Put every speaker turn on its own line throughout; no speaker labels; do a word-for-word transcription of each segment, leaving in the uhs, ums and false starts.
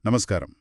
నమస్కారం.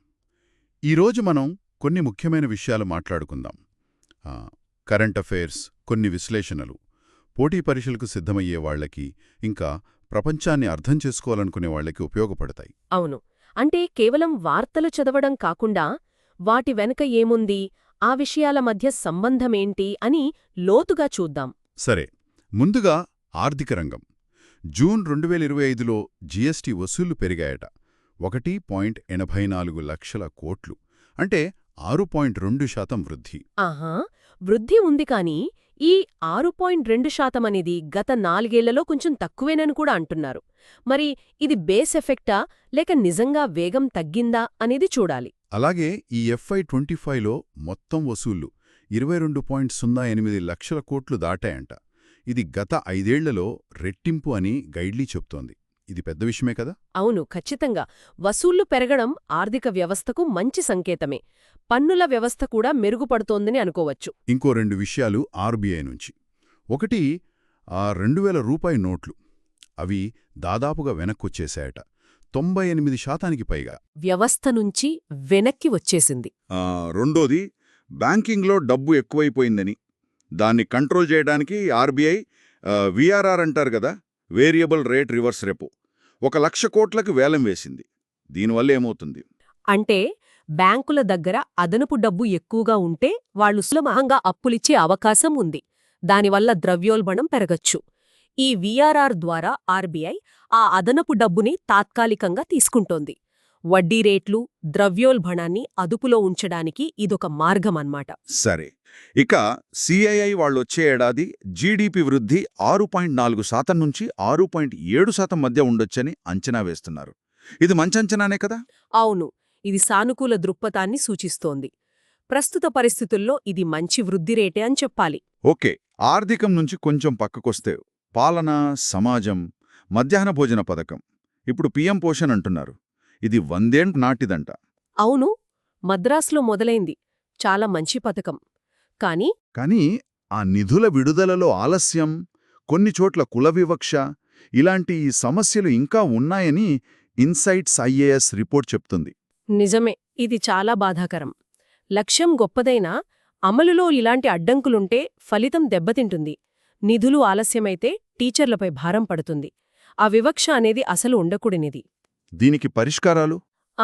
ఈరోజు మనం కొన్ని ముఖ్యమైన విషయాలు మాట్లాడుకుందాం. ఆ, కరెంట్ అఫైర్స్, కొన్ని విశ్లేషణలు, పోటీ పరీక్షలకు సిద్ధమయ్యే వాళ్లకి, ఇంకా ప్రపంచాన్ని అర్థం చేసుకోవాలనుకునే వాళ్లకి ఉపయోగపడతాయి.
అవును. అంటే కేవలం వార్తలు చదవడం కాకుండా వాటి వెనుక ఏముంది, ఆ విషయాల మధ్య సంబంధమేంటి అని లోతుగా చూద్దాం.
సరే, ముందుగా ఆర్థిక రంగం. జూన్ రెండు వేల ఇరవై ఐదులో జీఎస్టీ వసూళ్లు పెరిగాయట. ఒకటి పాయింట్ ఎనభై నాలుగు లక్షల కోట్లు, అంటే ఆరు పాయింట్ రెండు శాతం వృద్ధి.
ఆహా, వృద్ధి ఉంది కానీ ఈ ఆరు పాయింట్ రెండు శాతం అనేది గత నాలుగేళ్లలో కొంచెం తక్కువేనని కూడా అంటున్నారు. మరి ఇది బేస్ ఎఫెక్టా లేక నిజంగా వేగం తగ్గిందా అనేది చూడాలి.
అలాగే ఈ ఎఫ్ఐ ట్వంటీ ఫైవ్లో మొత్తం వసూళ్లు ఇరవై రెండు పాయింట్ సున్నా ఎనిమిది లక్షల కోట్లు దాటాయంట. ఇది గత ఐదేళ్లలో రెట్టింపు అని గైడ్లీ చెప్తోంది. ఇది పెద్ద విషయమే కదా?
అవును, ఖచ్చితంగా. వసూళ్లు పెరగడం ఆర్థిక వ్యవస్థకు మంచి సంకేతమే. పన్నుల వ్యవస్థ కూడా మెరుగుపడుతోందని అనుకోవచ్చు.
ఇంకో రెండు విషయాలు ఆర్బీఐ నుంచి. ఒకటి, ఆ రెండు వేల రూపాయి నోట్లు. అవి దాదాపుగా వెనక్కొచ్చేశాయట, తొంభై ఎనిమిది శాతానికి పైగా.
వ్యవస్థ నుంచి వెనక్కి వచ్చేసింది.
రెండోది, బ్యాంకింగ్లో డబ్బు ఎక్కువైపోయిందని, దాన్ని కంట్రోల్ చేయడానికి ఆర్బీఐ వీఆర్ఆర్ అంటారు కదా, వేరియబుల్ రేట్ రివర్స్ రెపో, ఒక లక్ష కోట్లకు వేలం వేసింది. దీనివల్ల ఏమవుతుంది
అంటే బ్యాంకుల దగ్గర అదనపు డబ్బు ఎక్కువగా ఉంటే వాళ్లు సులభంగా అప్పులిచ్చే అవకాశం ఉంది. దానివల్ల ద్రవ్యోల్బణం పెరగచ్చు. ఈ వీఆర్ఆర్ ద్వారా ఆర్బీఐ ఆ అదనపు డబ్బుని తాత్కాలికంగా తీసుకుంటోంది. వడ్డీ రేట్లు, ద్రవ్యోల్బణాన్ని అదుపులో ఉంచడానికి ఇదొక మార్గమన్నమాట.
సరే, ఇక సిఐఐ వాళ్ళొచ్చే ఏడాది జీడీపీ వృద్ధి ఆరు పాయింట్ నాలుగు శాతం నుంచి ఆరు పాయింట్ ఏడు శాతం మధ్య ఉండొచ్చని అంచనా వేస్తున్నారు. ఇది మంచంచనానే కదా?
అవును, ఇది సానుకూల దృక్పథాన్ని సూచిస్తోంది. ప్రస్తుత పరిస్థితుల్లో ఇది మంచి వృద్ధి రేటే అని చెప్పాలి.
ఓకే, ఆర్థికం నుంచి కొంచెం పక్కకొస్తే పాలన, సమాజం, మధ్యాహ్న భోజన పథకం, ఇప్పుడు పీఎం పోషణ్ అంటున్నారు. ఇది వందేండ్ నాటిదంట.
అవును, మద్రాసులో మొదలైంది. చాలా మంచి పథకం. కానీ
కానీ ఆ నిధుల విడుదలలో ఆలస్యం, కొన్ని చోట్ల కుల వివక్ష, ఇలాంటి సమస్యలు ఇంకా ఉన్నాయని ఇన్సైట్స్ ఐఏఎస్ రిపోర్ట్ చెప్తుంది.
నిజమే, ఇది చాలా బాధాకరం. లక్ష్యం గొప్పదైనా అమలులో ఇలాంటి అడ్డంకులుంటే ఫలితం దెబ్బతింటుంది. నిధులు ఆలస్యమైతే టీచర్లపై భారం పడుతుంది. ఆ వివక్ష అనేది అసలు ఉండకూడనిది.
దీనికి పరిష్కారాలు?
ఆ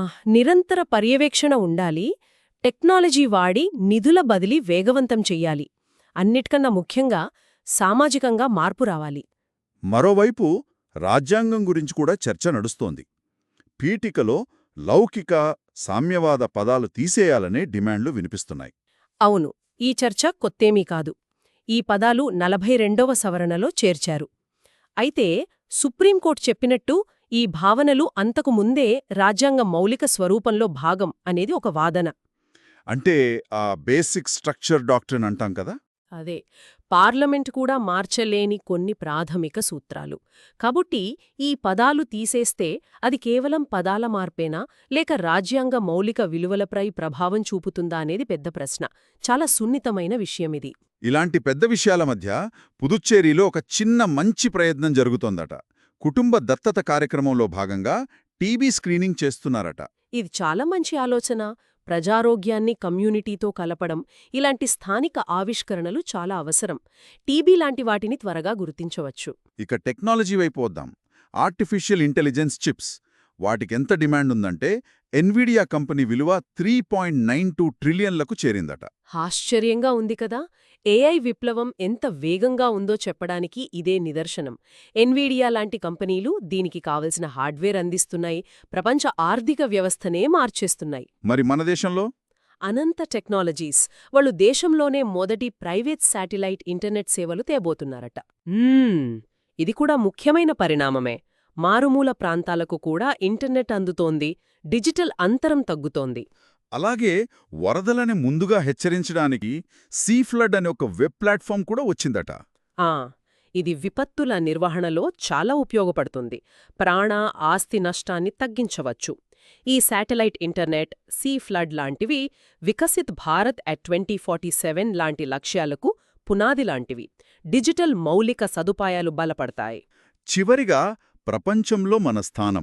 నిరంతర పర్యవేక్షణ ఉండాలి. టెక్నాలజీ వాడి నిధుల బదిలీ వేగవంతం చెయ్యాలి. అన్నిటికన్నా ముఖ్యంగా సామాజికంగా మార్పు రావాలి.
మరోవైపు రాజ్యాంగం గురించి కూడా చర్చ నడుస్తోంది. పీఠికలో లౌకిక, సామ్యవాద పదాలు తీసేయాలనే డిమాండ్లు వినిపిస్తున్నాయి.
అవును, ఈ చర్చ కొత్తేమీ కాదు. ఈ పదాలు నలభై రెండవ సవరణలో చేర్చారు. అయితే సుప్రీంకోర్టు చెప్పినట్టు ఈ భావనలు అంతకు ముందే రాజ్యాంగ మౌలిక స్వరూపంలో భాగం అనేది ఒక వాదన.
అంటే ఆ బేసిక్ స్ట్రక్చర్ డాక్ట్రిన్ అంటాం కదా,
అదే పార్లమెంట్ కూడా మార్చలేని కొన్ని ప్రాథమిక సూత్రాలు. కాబట్టి ఈ పదాలు తీసేస్తే అది కేవలం పదాల మార్పేనా లేక రాజ్యాంగ మౌలిక విలువలపై ప్రభావం చూపుతుందా అనేది పెద్ద ప్రశ్న. చాలా సున్నితమైన విషయమిది.
ఇలాంటి పెద్ద విషయాల మధ్య పుదుచ్చేరిలో ఒక చిన్న మంచి ప్రయత్నం జరుగుతోందట. కుటుంబ దత్తత కార్యక్రమంలో భాగంగా టీబీ స్క్రీనింగ్ చేస్తున్నారట.
ఇది చాలా మంచి ఆలోచన. ప్రజారోగ్యాన్ని కమ్యూనిటీతో కలపడం, ఇలాంటి స్థానిక ఆవిష్కరణలు చాలా అవసరం. టీబీ లాంటి వాటిని త్వరగా గుర్తించవచ్చు.
ఇక టెక్నాలజీ వైపు వద్దాం. ఆర్టిఫిషియల్ ఇంటెలిజెన్స్ చిప్స్, వాటికెంత డిమాండ్ ఉందంటే ఎన్విడియా కంపెనీ విలువ త్రీ పాయింట్ నైన్ టూ ట్రిలియన్లకు చేరిందట.
ఆశ్చర్యంగా ఉంది కదా. ఏఐ విప్లవం ఎంత వేగంగా ఉందో చెప్పడానికి ఇదే నిదర్శనం. ఎన్విడియా లాంటి కంపెనీలు దీనికి కావలసిన హార్డ్వేర్ అందిస్తున్నాయి, ప్రపంచ ఆర్థిక వ్యవస్థనే మార్చేస్తున్నాయి.
మరి మన దేశంలో
అనంత టెక్నాలజీస్ వాళ్ళు దేశంలోనే మొదటి ప్రైవేట్ శాటిలైట్ ఇంటర్నెట్ సేవలు తేబోతున్నారట. ఇది కూడా ముఖ్యమైన పరిణామమే. మారుమూల ప్రాంతాలకు కూడా ఇంటర్నెట్ అందుతోంది, డిజిటల్ అంతరం తగ్గుతోంది.
అలాగే వరదలని ముందుగా హెచ్చరించడానికి సీ ఫ్లడ్ అనే ఒక వెబ్ ప్లాట్ఫామ్ కూడా వచ్చిందట.
ఆ ఇది విపత్తుల నిర్వహణలో చాలా ఉపయోగపడుతుంది. ప్రాణ, ఆస్తి నష్టాన్ని తగ్గించవచ్చు. ఈ శాటిలైట్ ఇంటర్నెట్, సీ ఫ్లడ్ లాంటివి Viksit Bharat at twenty forty seven లాంటి లక్ష్యాలకు పునాది లాంటివి. డిజిటల్ మౌలిక సదుపాయాలు బలపడతాయి.
చివరిగా ప్రపంచంలో మన స్థానం.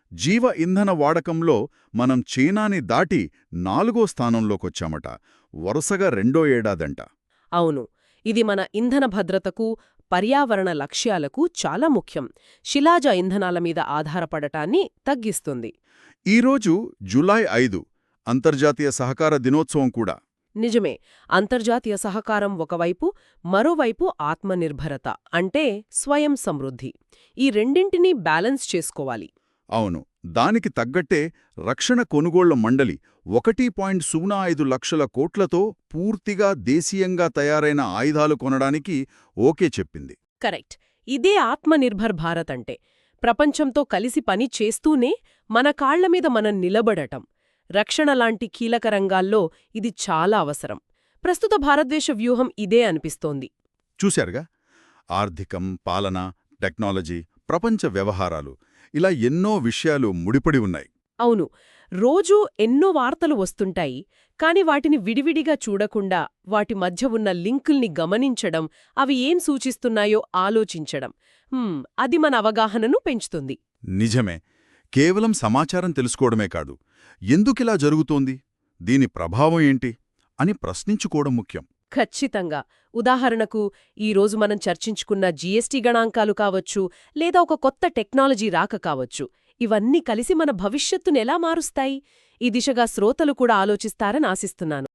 జీవ ఇంధన వాడకంలో మనం చైనాని దాటి నాలుగో స్థానంలోకొచ్చామట. వరుసగా రెండో ఏడాదంట.
అవును, ఇది మన ఇంధన భద్రతకు, పర్యావరణ లక్ష్యాలకు చాలా ముఖ్యం. శిలాజ ఇంధనాల మీద ఆధారపడటాన్ని తగ్గిస్తుంది.
ఈరోజు జూలై ఐదు అంతర్జాతీయ సహకార దినోత్సవం కూడా.
నిజమే. అంతర్జాతీయ సహకారం ఒకవైపు, మరోవైపు ఆత్మనిర్భరత అంటే స్వయం సమృద్ధి. ఈ రెండింటినీ బ్యాలెన్స్ చేసుకోవాలి.
అవును, దానికి తగ్గట్టే రక్షణ కొనుగోళ్ల మండలి ఒకటి పాయింట్ సున్నా ఐదు లక్షల కోట్లతో పూర్తిగా దేశీయంగా తయారైన ఆయుధాలు కొనడానికి ఓకే చెప్పింది.
కరెక్ట్. ఇదే ఆత్మనిర్భర్ భారత్ అంటే. ప్రపంచంతో కలిసి పని చేస్తూనే మన కాళ్లమీద మనం నిలబడటం. రక్షణ లాంటి కీలక రంగాల్లో ఇది చాలా అవసరం. ప్రస్తుత భారతదేశ వ్యూహం ఇదే అనిపిస్తోంది.
చూశారుగా, ఆర్థికం, పాలన, టెక్నాలజీ, ప్రపంచ వ్యవహారాలు ఇలా ఎన్నో విషయాలు ముడిపడి ఉన్నాయి.
అవును, రోజూ ఎన్నో వార్తలు వస్తుంటాయి. కాని వాటిని విడివిడిగా చూడకుండా వాటి మధ్య ఉన్న లింకుల్ని గమనించడం, అవి ఏం సూచిస్తున్నాయో ఆలోచించడం, హ్మ్, అది మన అవగాహనను పెంచుతుంది.
నిజమే. కేవలం సమాచారం తెలుసుకోవడమే కాదు, ఎందుకిలా జరుగుతోంది, దీని ప్రభావం ఏంటి అని ప్రశ్నించుకోవడం ముఖ్యం.
ఖచ్చితంగా. ఉదాహరణకు, ఈరోజు మనం చర్చించుకున్న జీఎస్టీ గణాంకాలు కావచ్చు, లేదా ఒక కొత్త టెక్నాలజీ రాక కావచ్చు, ఇవన్నీ కలిసి మన భవిష్యత్తునెలా మారుస్తాయి? ఈ దిశగా శ్రోతలు కూడా ఆలోచిస్తారని ఆశిస్తున్నాను.